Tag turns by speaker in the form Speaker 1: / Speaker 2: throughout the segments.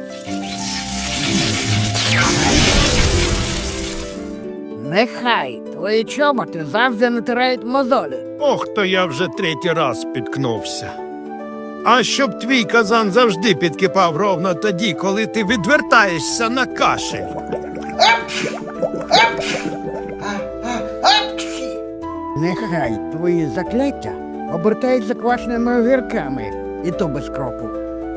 Speaker 1: Нехай твої чоботи завжди натирають мозолі.
Speaker 2: Ох, то я вже третій раз спіткнувся. А щоб твій казан завжди підкипав ровно тоді, коли ти відвертаєшся на кашель.
Speaker 1: Нехай твої закляття обертають заквашеними огірками, і то без кропу.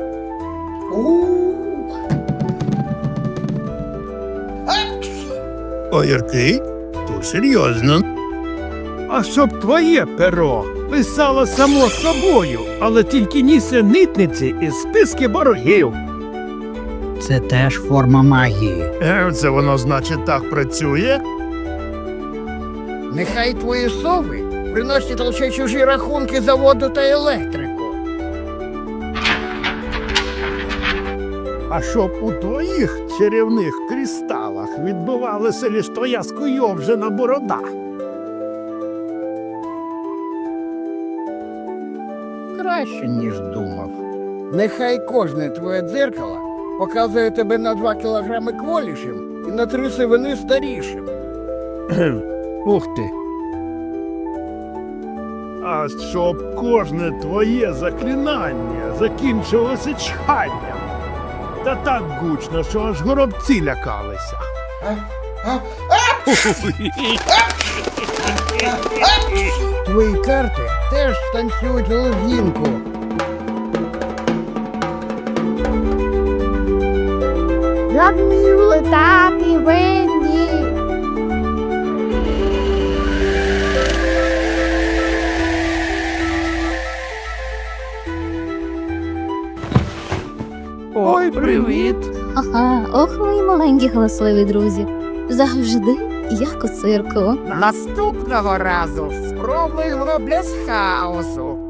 Speaker 2: Огірки? То серйозно. А щоб твоє перо писало само собою, але тільки нісенітниці і списки боргів.
Speaker 1: Це теж форма магії.
Speaker 2: Це воно, значить, так працює?
Speaker 1: Нехай твої сови приносять лише чужі рахунки за воду та електрику.
Speaker 2: А щоб у твоїх чарівних кристалах відбувалася лиш твоя скуйовжена борода.
Speaker 1: Краще, ніж думав. Нехай кожне твоє дзеркало показує тебе на 2 кілограми кволішим і на 3 сивини старішим.
Speaker 2: Ух ти. А щоб кожне твоє заклинання закінчилося чханням. Та так гучно, що аж горобці лякалися.
Speaker 1: Твої карти теж танцюють лезгінку.
Speaker 3: Я вмію летати, Венді.
Speaker 2: Ой, привіт!
Speaker 4: Ага, ох, мої маленькі галасливі друзі. Завжди як у цирку.
Speaker 1: Наступного разу спробуємо без хаосу.